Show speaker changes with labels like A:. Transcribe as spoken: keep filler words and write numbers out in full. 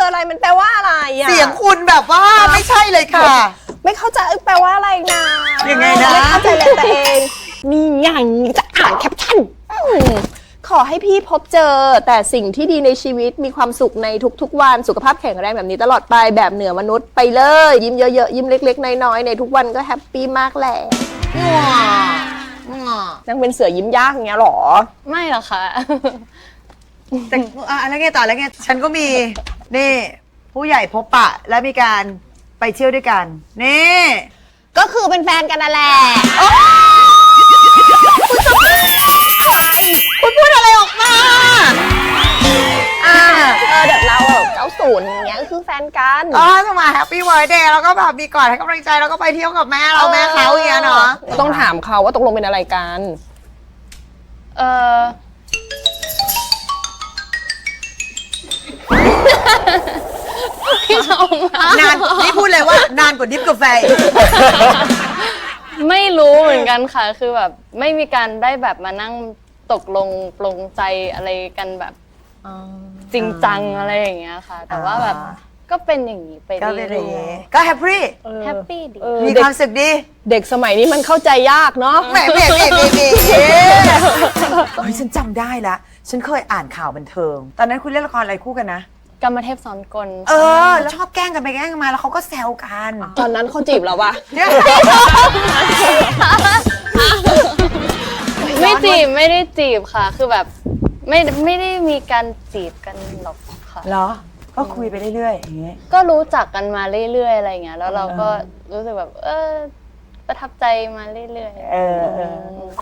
A: คืออะไรมันแปลว่าอะไรอ่ะ
B: เสียงคุณแบบว่าไม่ใช่เลยค่ะ
A: ไม่เข้าใจแปลว่าอะไรนะ
B: ยังไงนะ
A: ไม่เข้าใจเลยตัวเองนี่อย่างจะอ่านแคปชั่นอืมขอให้พี่พบเจอแต่สิ่งที่ดีในชีวิตมีความสุขในทุกๆวันสุขภาพแข็งแรงแบบนี้ตลอดไปแบบเหนือมนุษย์ไปเลยยิ้มเยอะๆยิ้มเล็กๆน้อยๆในทุกวันก็แฮปปี้มากแหละนางเป็นเสือยิ้มยากอย่างเงี้ยหรอ
C: ไม่หรอกค่ะ
B: แต่อ่ะแล้วไงต่อแล้วไงฉันก็มีนี่ผู้ใหญ่พบปะและมีการไปเที่ยวด้วยกันนี่
A: ก็คือเป็นแฟนกันนั่นแหละ
B: คุณพูดอะไรออกมา
A: อ่าเออแบบเราแบบเก้าศูนย์อย่างเงี้ยก็คือแฟนกัน
B: อ๋อจะมาแฮปปี้เวิร์ดเดย์แล้วก็แบบมีกอดให้กำลังใจแล้วก็ไปเที่ยวกับแม่เราแม่เขาอย่างเงี้ยเนาะ
A: ต้องถามเขาว่าตกลงเป็นอะไรกัน
C: เออพี่ชมอะ
B: นานนี่พูดเลยว่านานกว่าดิฟกาแฟอีก
C: ไม่รู้เหมือนกันค่ะ คือแบบไม่มีการได้แบบมานั่งตกลงปลงใจอะไรกันแบบจริงจังอะไรอย่างเงี้ยค่ะ แต่ว่าแบบก็เป็นอย่างนี้ไป
B: ก็
C: เรื่
B: เป็นอย่าง
C: อ
B: งี้
C: ย
B: ก็แฮปปี้
C: ๆแฮปปี้ดี
A: เออ
B: มี
A: เด็
B: ค
A: ก
B: วามสุขดี
A: เด็กสมัยนี้มันเข้าใจยากเนาะ
B: แหมแหมแหมแหมแหมเฮ้ยฉันจำได้ละฉันเคยอ่านข่าวบันเทิง ตอนนั้นคุณเล่นละครอะไรคู่กันนะ
C: กรรมเทพซ้อนกล
B: เออชอบแกล้งกันไปแกล้งกันมาแล้วเขาก็แซวกัน
A: ตอนนั้นเขาจีบเราปะ
B: เนี่ย
C: ไม่จีบไม่ได้จีบค่ะ คือแบบไม่ไม่ได้มีการจีบกันหรอกค่ะ
B: เหรอ ก็คุยไปเรื่อยๆอย่างเงี้ย
C: ก็รู้จักกันมาเรื่อยๆอะไรเงี้ยแล้วเราก็รู้สึกแบบ เออประทับใจมาเรื่อยๆ
B: เออเออ